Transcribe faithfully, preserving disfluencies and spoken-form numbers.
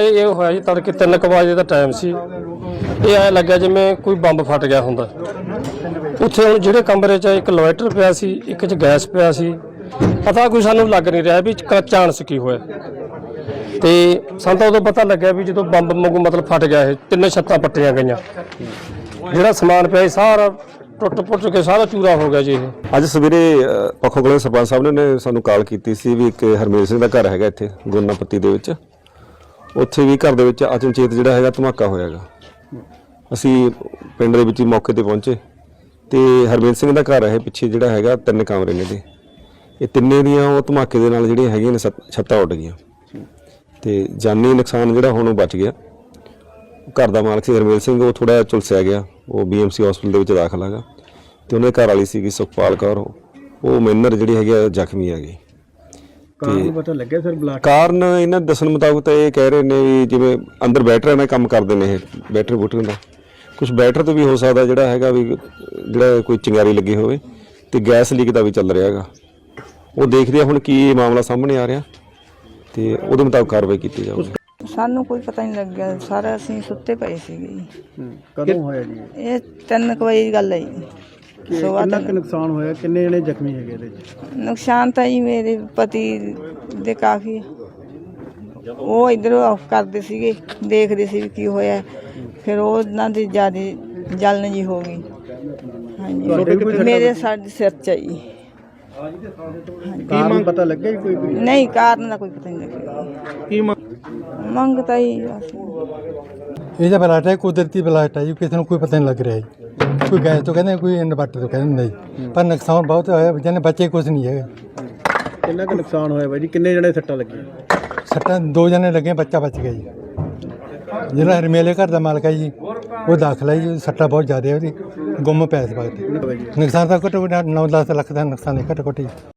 ਇਹ ਹੋਇਆ ਜੀ ਤੜਕੇ ਤਿੰਨ ਕੁ ਵਜੇ ਦਾ ਟਾਈਮ ਸੀ। ਇਹ ਐਂ ਲੱਗਿਆ ਜਿਵੇਂ ਕੋਈ ਬੰਬ ਫਟ ਗਿਆ ਹੁੰਦਾ। ਉੱਥੇ ਹੁਣ ਜਿਹੜੇ ਕਮਰੇ 'ਚ ਇੱਕ ਇਨਵਰਟਰ ਪਿਆ ਸੀ, ਇੱਕ 'ਚ ਗੈਸ ਪਿਆ ਸੀ, ਪਤਾ ਕੋਈ ਸਾਨੂੰ ਲੱਗ ਨਹੀਂ ਰਿਹਾ ਵੀ ਚਾਂਸ ਕੀ ਹੋਇਆ। ਤੇ ਸਾਨੂੰ ਤਾਂ ਉਦੋਂ ਪਤਾ ਲੱਗਿਆ ਵੀ ਜਦੋਂ ਬੰਬ ਵਾਂਗੂ ਮਤਲਬ ਫਟ ਗਿਆ, ਇਹ ਤਿੰਨੇ ਛੱਤਾਂ ਪੱਟੀਆਂ ਗਈਆਂ, ਜਿਹੜਾ ਸਮਾਨ ਪਿਆ ਸਾਰਾ ਟੁੱਟ ਪੁੱਟ ਕੇ ਸਾਰਾ ਚੂਰਾ ਹੋ ਗਿਆ ਜੀ। ਇਹ ਅੱਜ ਸਵੇਰੇ ਪੱਖੋ ਕਲਾਂ ਸਰਪੰਚ ਸਾਹਿਬ ਨੇ ਸਾਨੂੰ ਕਾਲ ਕੀਤੀ ਸੀ ਵੀ ਇੱਕ ਹਰਮੇਲ ਸਿੰਘ ਦਾ ਘਰ ਹੈਗਾ ਇੱਥੇ ਗੁਰਨਾਪੱਤੀ ਦੇ ਵਿੱਚ, ਉੱਥੇ ਵੀ ਘਰ ਦੇ ਵਿੱਚ ਅਚਨਚੇਤ ਜਿਹੜਾ ਹੈਗਾ ਧਮਾਕਾ ਹੋਇਆ ਗਾ। ਅਸੀਂ ਪਿੰਡ ਦੇ ਵਿੱਚ ਹੀ ਮੌਕੇ ਤੇ ਪਹੁੰਚੇ ਤੇ ਹਰਮੇਲ ਸਿੰਘ ਦਾ ਘਰ ਹੈ ਪਿੱਛੇ ਜਿਹੜਾ ਹੈਗਾ, ਤਿੰਨ ਕਮਰੇ ਨੇ ਦੇ, ਇਹ ਤਿੰਨੇ ਦੀਆਂ ਉਹ ਧਮਾਕੇ ਦੇ ਨਾਲ ਜਿਹੜੀਆਂ ਹੈਗੀਆਂ ਨੇ ਛੱਤਾਂ ਉੱਡ ਗਈਆਂ ਤੇ ਜਾਨੀ ਨੁਕਸਾਨ ਜਿਹੜਾ ਹੁਣ ਉਹ ਬਚ ਗਿਆ। ਘਰ ਦਾ ਮਾਲਕ ਸੀ ਹਰਮੇਲ ਸਿੰਘ, ਉਹ ਥੋੜਾ ਝੁਲਸਿਆ ਗਿਆ, ਉਹ ਬੀ ਐਮ ਸੀ ਹਸਪੀਟਲ ਦੇ ਵਿੱਚ ਦਾਖਲ ਹੈਗਾ ਤੇ ਉਹਨੇ ਘਰ ਵਾਲੀ ਸੀਗੀ ਸੁਖਪਾਲ ਕੌਰ, ਉਹ ਮੈਨਰ ਜਿਹੜੀ ਹੈਗੀ ਆ ਜ਼ਖਮੀ ਹੈਗੀ। ਕਾਰਨ ਪਤਾ ਲੱਗਿਆ ਸਰ? ਬਲਾਕ ਕਾਰਨ ਇਹਨਾਂ ਦੱਸਣ ਮੁਤਾਬਕ ਤਾਂ ਇਹ ਕਹਿ ਰਹੇ ਨੇ ਵੀ ਜਿਵੇਂ ਅੰਦਰ ਬੈਟਰੀਆਂ ਨਾਲ ਕੰਮ ਕਰਦੇ ਨੇ, ਇਹ ਬੈਟਰੀ ਬੂਟਰੀਆਂ ਦਾ ਕੁਝ ਬੈਟਰ ਤੋਂ ਵੀ ਹੋ ਸਕਦਾ ਜਿਹੜਾ ਹੈਗਾ ਵੀ ਜਿਹੜਾ ਕੋਈ ਚਿੰਗਾਰੀ ਲੱਗੀ ਹੋਵੇ, ਤੇ ਗੈਸ ਲੀਕ ਦਾ ਵੀ ਚੱਲ ਰਿਹਾ ਹੈਗਾ। ਉਹ ਦੇਖਦੇ ਆ ਹੁਣ ਕੀ ਮਾਮਲਾ ਸਾਹਮਣੇ ਆ ਰਿਹਾ ਤੇ ਉਹਦੇ ਮੁਤਾਬਕ ਕਾਰਵਾਈ ਕੀਤੀ ਜਾਊਗੀ। ਸਾਨੂੰ ਕੋਈ ਪਤਾ ਨਹੀਂ ਲੱਗਿਆ, ਸਾਰਾ ਅਸੀਂ ਸੁੱਤੇ ਪਏ ਸੀਗੇ ਜੀ। ਕਦੋਂ ਹੋਇਆ ਜੀ ਇਹ ਤਿੰਨ ਕੁ ਵਜੇ ਦੀ ਗੱਲ ਹੈ ਜੀ। ਕਿੰਨਾ ਕੁ ਨੁਕਸਾਨ ਹੋਇਆ? ਕਿੰਨੇ ਜਣੇ ਜ਼ਖਮੀ ਹੈਗੇ ਇਹਦੇ ਵਿੱਚ? ਨੁਕਸਾਨ ਤਾਂ ਜੀ ਮੇਰੇ ਪਤੀ ਦੇ ਕਾਫੀ, ਉਹ ਇੱਧਰੋਂ ਆਫ ਕਰਦੇ ਸੀਗੇ, ਦੇਖਦੇ ਸੀ ਵੀ ਕੀ ਹੋਇਆ, ਫਿਰ ਉਹਨਾਂ ਦੀ ਜ਼ਿਆਦਾ ਜਲਨ ਜੀ ਹੋ ਗਈ। ਹਾਂਜੀ, ਮੇਰੇ ਸਾਡੇ ਸਿਰ 'ਚ ਆ ਜੀ। ਕਾਰਨ ਪਤਾ ਲੱਗਿਆ ਕੋਈ? ਨਹੀਂ, ਕਾਰਨ ਦਾ ਕੋਈ ਪਤਾ ਨਹੀਂ ਲੱਗਿਆ। ਕੀ ਮੰਗ ਤਾਂ ਹੀ ਇਹਦਾ ਬਲਾਟ ਹੈ, ਕੁਦਰਤੀ ਬਲਾਟ ਹੈ ਜੀ, ਕਿਸੇ ਨੂੰ ਕੋਈ ਪਤਾ ਨਹੀਂ ਲੱਗ ਰਿਹਾ ਜੀ। ਕੋਈ ਗੈਸ ਤੋਂ ਕਹਿੰਦੇ, ਕੋਈ ਇਨਵਰਟਰ ਤੋਂ ਕਹਿੰਦੇ ਜੀ, ਪਰ ਨੁਕਸਾਨ ਬਹੁਤ ਹੋਇਆ, ਜਿਹਨੇ ਬੱਚੇ ਕੁਝ ਨਹੀਂ ਹੈਗੇ। ਕਿੰਨਾ ਕੁ ਨੁਕਸਾਨ ਹੋਇਆ ਬਾਈ ਜੀ? ਕਿੰਨੇ ਜਣੇ ਸੱਟਾਂ ਲੱਗੀਆਂ? ਸੱਟਾਂ ਦੋ ਜਣੇ ਲੱਗੇ, ਬੱਚਾ ਬਚ ਗਿਆ ਜੀ। ਜਿਹੜਾ ਹਰਮੇਲੇ ਘਰ ਦਾ ਮਾਲਕ ਹੈ ਜੀ, ਉਹ ਦਾਖਲ ਹੈ ਜੀ, ਸੱਟਾਂ ਬਹੁਤ ਜ਼ਿਆਦਾ ਉਹਦੀ, ਗੁੰਮ ਪਿਆ ਇਸ ਵਕਤ। ਨੁਕਸਾਨ ਤਾਂ ਘੱਟੋ ਘੱਟ ਨੌ ਦਸ ਲੱਖ ਦਾ ਨੁਕਸਾਨ ਹੈ, ਘੱਟੋ ਘੱਟ ਜੀ।